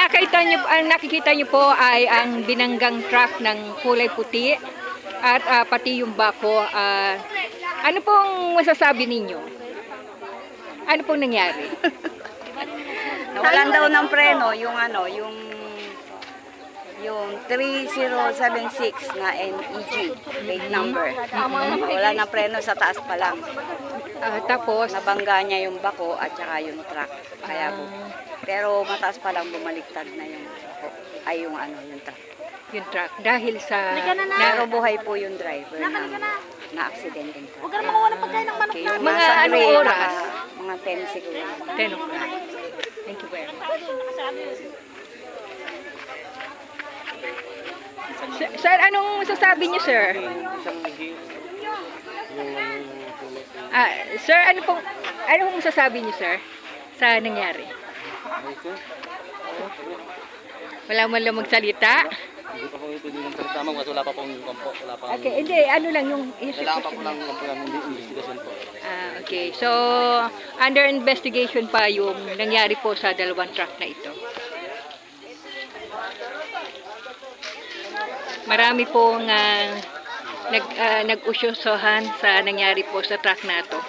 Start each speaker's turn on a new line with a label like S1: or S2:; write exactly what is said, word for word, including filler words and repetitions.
S1: nakita niyo, ang nakikita niyo po ay ang binanggang truck ng kulay puti at ah, pati yung bako. ah, ano pong masasabi ninyo? Ano pong nangyari?
S2: Nawalan daw ng preno yung ano, yung yung three zero seven six na N E G, plate number. Wala na preno sa taas pa lang.
S1: Ah, tapos,
S2: Nabangga niya yung bako at saka yung truck. Kaya bu-
S1: ah,
S2: pero mataas pa lang bumaliktad na yung bako. Ay yung ano, yung truck.
S1: yung truck dahil sa
S2: Pero buhay po yung driver ng na-aksidente.
S3: Huwag ka na makuha ng pagkain ng manok
S2: Okay,
S3: na.
S2: yung
S1: Mga
S2: nasa
S1: anong
S2: gray,
S1: oras?
S2: naka- mga ten siguro.
S1: ten o'clock. Thank you very much. Sir, sir, anong masasabi niyo, sir? Ah, sir, ano pong ano pong masasabi niyo, sir, sa nangyari? Wala mo lang magsalita?
S4: Hindi pa po ito din ng tama, wala pa pong kampo, wala pa.
S1: Okay, hindi, ano lang yung
S4: Kailangan pa po ng kampo ng investigation po.
S1: Ah, okay. So, under investigation pa yung nangyari po sa dalawang truck na ito. Marami pong ah, nag, ah, nag-usyosohan sa nangyari po sa truck na to.